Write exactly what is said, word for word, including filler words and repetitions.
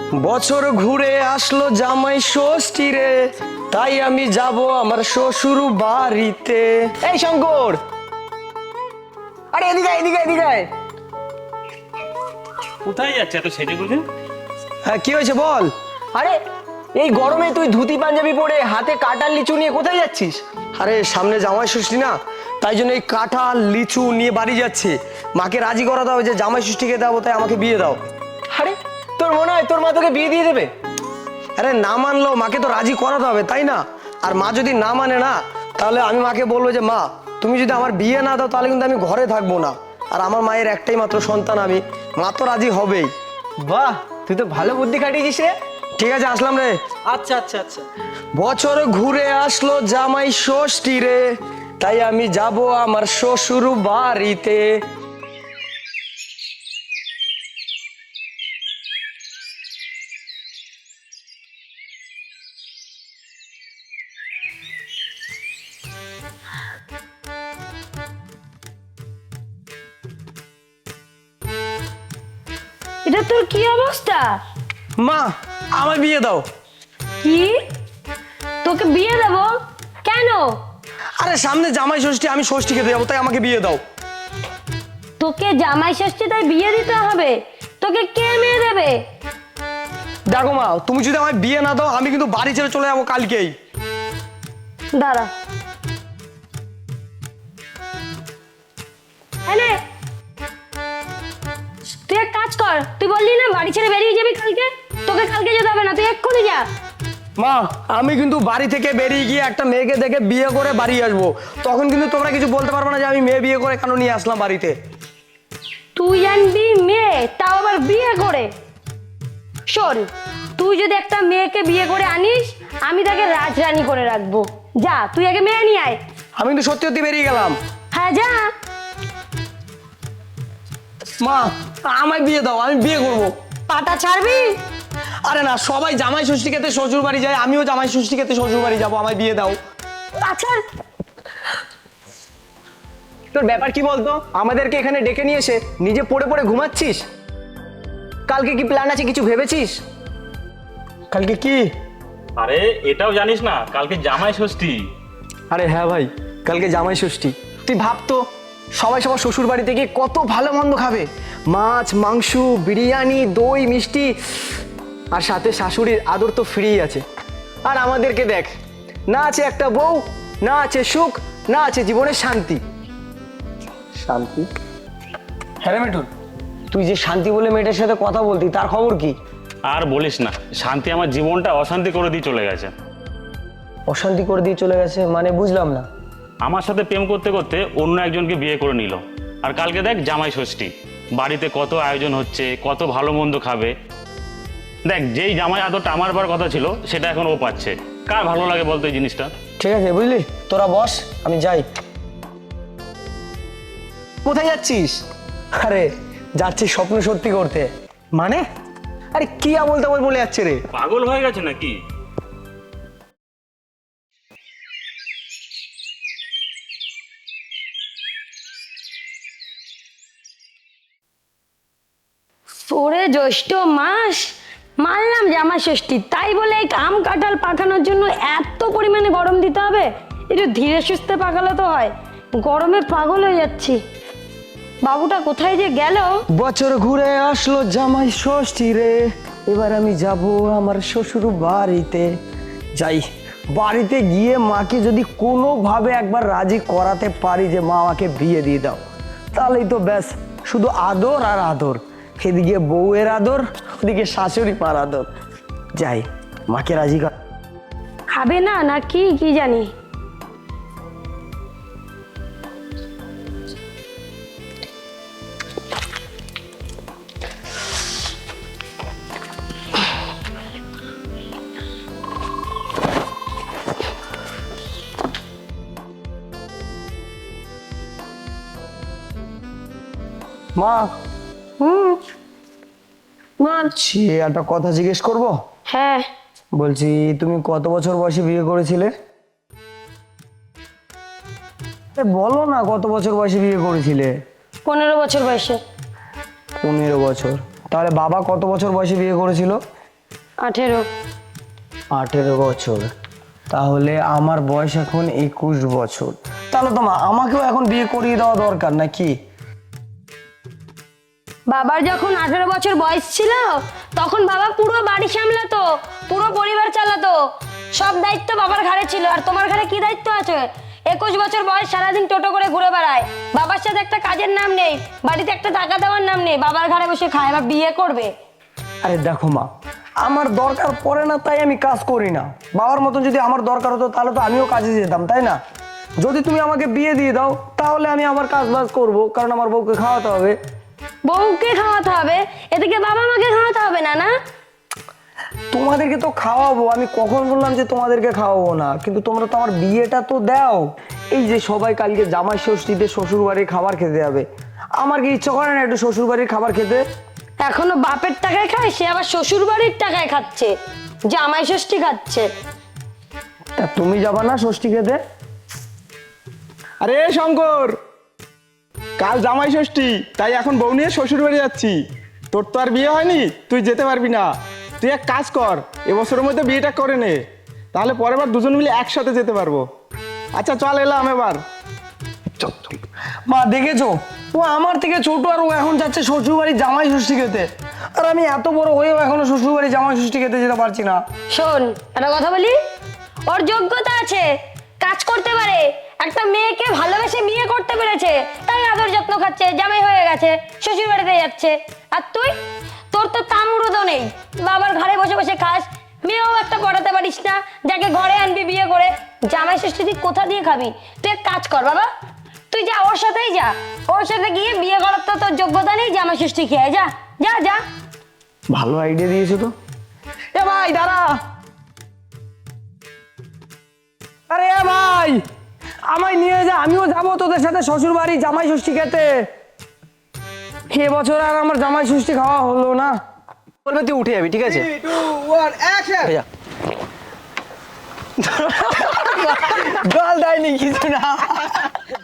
বছর ঘুরে আসলো জামাই ষষ্ঠী রে, তাই আমি যাব আমার শ্বশুর বাড়িতে। এই শঙ্কর, আরে এদিকে আয়, এদিকে আয়, এদিকে আয়। কোথায় যাচ্ছে এত সেজে গুজে? হ্যাঁ কি হয়েছে বল। আরে এই গরমে তুই ধুতি পাঞ্জাবি পরে হাতে কাঁঠাল লিচু নিয়ে কোথায় যাচ্ছিস? আরে সামনে জামাই ষষ্ঠী না, তাই জন্য এই কাঁঠাল লিচু নিয়ে বাড়ি যাচ্ছে। মাকে রাজি করাতে হবে যে জামাই ষষ্ঠীকে দেবো, তাই আমাকে বিয়ে দাও। আরে তোর মনে হয় তোর মা তোকে বিয়ে দিয়ে দেবে? আরে না মানলেও মাকে তো রাজি করাতে হবে, তাই না? আর মা যদি না মানে না, তাহলে আমি মাকে বলবো যে মা তুমি যদি আমার বিয়ে না দাও তাহলে কিন্তু আমি ঘরে থাকবো না। আর আমার মায়ের একটাই মাত্র সন্তান আমি, মা তো রাজি হবেই। বাহ, তুই তো ভালো বুদ্ধি খাটিয়েছিস রে। ঠিক আছে, আসলাম রে। আচ্ছা আচ্ছা আচ্ছা। বছর ঘুরে আসলো জামাই ষষ্ঠী রে, তাই আমি যাব আমার শ্বশুর বাড়িতে। এটা তোর কি অবস্থা? মা আমার বিয়ে দাও। কি? তোকে বিয়ে দেব? কেন? আরে সামনে জামাই ষষ্ঠী, আমি ষষ্ঠী খেতে যাবো, তাই আমাকে বিয়ে দাও। তোকে জামাই ষষ্ঠী তাই বিয়ে দিতে হবে? তোকে কে মেয়ে দেবে? দেখো মা, তুমি যদি আমায় বিয়ে না দাও আমি কিন্তু বাড়ি ছেড়ে চলে যাবো কালকেই। দাঁড়া। এনে তুই এক কাজ কর, তুই বললি না বাড়ি ছেড়ে বেরিয়ে যাবি কালকে, তোকে কালকে যেতে হবে না, তুই এক্ষুনি যা। মা আমি কিন্তু বাড়ি থেকে বেরিয়ে গিয়ে একটা মেয়েকে দেখে বিয়ে করে বাড়ি আসবো, তখন কিন্তু তোমরা কিছু বলতে পারবে না যে আমি মেয়ে বিয়ে করে কেন নিয়ে আসলাম বাড়িতে। তুই আনবি মেয়ে, তাও আবার বিয়ে করে? শোন, তুই যদি একটা মেয়েকে বিয়ে করে আনিস, আমি তাকে রাজরানী করে রাখবো। যা, তুই আগে মেয়ে নিয়ে আয়। আমি কিন্তু সত্যি সত্যি বেরিয়ে গেলাম। হ্যাঁ যা। মা আমায় বিয়ে দাও, আমি বিয়ে করবো। পাটা ছাড়বি? আরে না, সবাই জামাই ষষ্ঠী খেতে শ্বশুর বাড়ি যায়, আমিও জামাই ষষ্ঠী খেতে শ্বশুর বাড়ি যাবো, আমায় বিয়ে দাও। আচ্ছা তোর ব্যাপার কি বলতো? আমাদেরকে এখানে ডেকে নিয়ে এসে নিজে পড়ে পড়ে ঘুমাচ্ছিস। কালকে কি প্ল্যান আছে, কিছু ভেবেছিস? কালকে কি? আরে এটাও জানিস না কালকে জামাই ষষ্ঠী? আরে হ্যাঁ ভাই, কালকে জামাই ষষ্ঠী। তুই ভাবতো সবাই সবার শ্বশুর বাড়িতে গিয়ে কত ভালো মন্দ খাবে, মাছ মাংস বিরিয়ানি দই মিষ্টি, আর সাথে শাশুড়ির আদর তো ফ্রি আছে। আর আমাদেরকে দেখ, না আছে একটা বউ, না আছে সুখ, না আছে জীবনের শান্তি। শান্তি? হ্যাঁ রে মিঠুন, তুই যে শান্তি বলে মেয়েটার সাথে কথা বলতি, তার খবর কি? আর বলিস না, শান্তি আমার জীবনটা অশান্তি করে দিয়ে চলে গেছে। অশান্তি করে দিয়ে চলে গেছে মানে বুঝলাম না। আমার সাথে প্রেম করতে করতে অন্য একজনকে বিয়ে করে নিল। আর কালকে দেখ জামাই ষষ্ঠী, বাড়িতে কত আয়োজন হচ্ছে, কত ভালো মন্দ খাবে। দেখ, যেই জামাই আদরটা আমার বার কথা ছিল সেটা এখন ও পাচ্ছে। কার ভালো লাগে বলতো এই জিনিসটা? ঠিক আছে বুঝলি, তোরা বস, আমি যাই। কোথায় যাচ্ছিস? আরে যাচ্ছি স্বপ্ন সত্যি করতে। মানে আরে কি আমল তামল বলে যাচ্ছে রে? পাগল হয়ে গেছে নাকি? পরে জ্যৈষ্ঠ মাস, মানলাম জামাই ষষ্ঠী, তাই বলে এই আম কাঁঠাল পাকানোর জন্য এত পরিমাণে গরম দিতে হবে? একটু ধীরে সুস্থে পাকালে তো হয়, গরমে পাগল হয়ে যাচ্ছি। বাবুটা কোথায় যে গেল? বছর ঘুরে আসলো জামাই ষষ্ঠী রে, এবার আমি যাব আমার শ্বশুর বাড়িতে। যাই, বাড়িতে গিয়ে মাকে যদি কোনোভাবে একবার রাজি করাতে পারি যে মা আমাকে বিয়ে দিয়ে দাও, তাহলেই তো ব্যাস, শুধু আদর আর আদর। এদিকে বউয়ের আদর, ওদিকে শাশুড়ি মার আদর। যাই, মাকে রাজি কর। খাবে না নাকি কি জানি। মা হুম বল। ছি, একটা কথা জিজ্ঞেস করব? হ্যাঁ বলছি তুমি কত বছর বয়সে বিয়ে করেছিলে? এ বলো না, কত বছর বয়সে বিয়ে করেছিলে? পনেরো বছর বয়সে। পনেরো বছর? তাহলে বাবা কত বছর বয়সে বিয়ে করেছিল? আঠেরো। আঠেরো বছর, তাহলে আমার বয়স এখন একুশ বছর। তাহলে তো মা আমাকেও এখন বিয়ে করিয়ে দেওয়া দরকার নাকি? বাবার যখন আঠেরো বছর বয়স ছিল তখন বাবা পুরো বাড়ি সামলাতো, পুরো পরিবার চালাতো, সব দায়িত্ব বাবার ঘাড়ে ছিল। আর তোমার ঘাড়ে কি দায়িত্ব আছে? একুশ বছর বয়স, সারাদিন টোটো করে ঘুরে বেড়ায়, বাবার সাথে একটা কাজের নাম নেই, বাড়িতে একটা টাকা দেওয়ার নাম নেই, বাবার ঘাড়ে বসে খায়। বা বিয়ে করবে? আরে দেখো মা, আমার দরকার পড়ে না তাই আমি কাজ করি না। বাবার মতন যদি আমার দরকার হতো তাহলে তো আমিও কাজে যেতাম, তাই না? যদি তুমি আমাকে বিয়ে দিয়ে দাও তাহলে আমি আমার কাজ বাজ করবো, কারণ আমার বউকে খাওয়াতে হবে। বউকে খাওয়াতে হবে, এদিকে বাবা মাকে খাওয়াতে হবে না? না, তোমাদেরকে তো খাওয়াবো, আমি কখন বললাম যে তোমাদেরকে খাওয়াবো না? কিন্তু তোমরা তো আমার বিয়েটা তো দাও। এই যে সবাই কালকে জামাই ষষ্ঠীতে শ্বশুর বাড়ির খাবার খেতে যাবে, আমার কি ইচ্ছা করে না একটু শ্বশুর বাড়ির খাবার খেতে? এখনো বাপের টাকায় খায়, সে আবার শ্বশুর বাড়ির টাকায় খাচ্ছে, জামাই ষষ্ঠী খাচ্ছে। তা তুমি যাবা না ষষ্ঠী খেতে? আরে শঙ্কর, কাল জামাই ষষ্ঠী, তাই এখন বউ নিয়ে শ্বশুর বাড়ি যাচ্ছি। তোর তো আর বিয়ে হয়নি, তুই যেতে পারবি না। তুই এক কাজ কর, এবছরের মধ্যে বিয়েটা করে নে, তাহলে পরের বার দুজন মিলে একসাথে যেতে পারবো। আচ্ছা চল এলাম এবার। মা দেখেছো, ও আমার থেকে ছোট আর ও এখন যাচ্ছে শ্বশুর বাড়ি জামাই ষষ্ঠী খেতে, আর আমি এত বড় হয়েও এখনো শ্বশুর বাড়ি জামাই ষষ্ঠী খেতে যেতে পারছি না। শোন, একটা কথা বলি, ওর যোগ্যতা আছে, কাজ করতে পারে, একটা মেয়েকে ভালোবেসে বিয়ে করতে পেরেছে, তাই আদর যত্ন খাচ্ছে, জামাই হয়ে গেছে, শ্বশুর বাড়িতে যাচ্ছে। আর তুই, তোর তো তামরুদও নেই, বাবার ঘরে বসে বসে খাস, মেয়েও একটা পড়াতে পারিস না, যাকে ঘরে আনবি বিয়ে করে। জামাই ষষ্ঠী তুই কোথা দিয়ে খাবি? তুই এক কাজ কর বাবা, তুই যা ওর সাথেই যা, ওর সাথে গিয়ে বিয়ে করার তো তোর যোগ্যতা নেই, জামাই ষষ্ঠী খেয়ে যা, যা যা। ভালো আইডিয়া দিয়েছো তো। এ ভাই দাঁড়া, আরে এ ভাই আমায় নিয়ে যা, আমিও যাবো তোদের সাথে শ্বশুর বাড়ি জামাই ষষ্ঠী খেতে। এ বছর আর আমার জামাই ষষ্ঠী খাওয়া হলো না। বলবে তুই উঠে যাবি, ঠিক আছে? উঠে যা। জল দেয়নি কিছু না।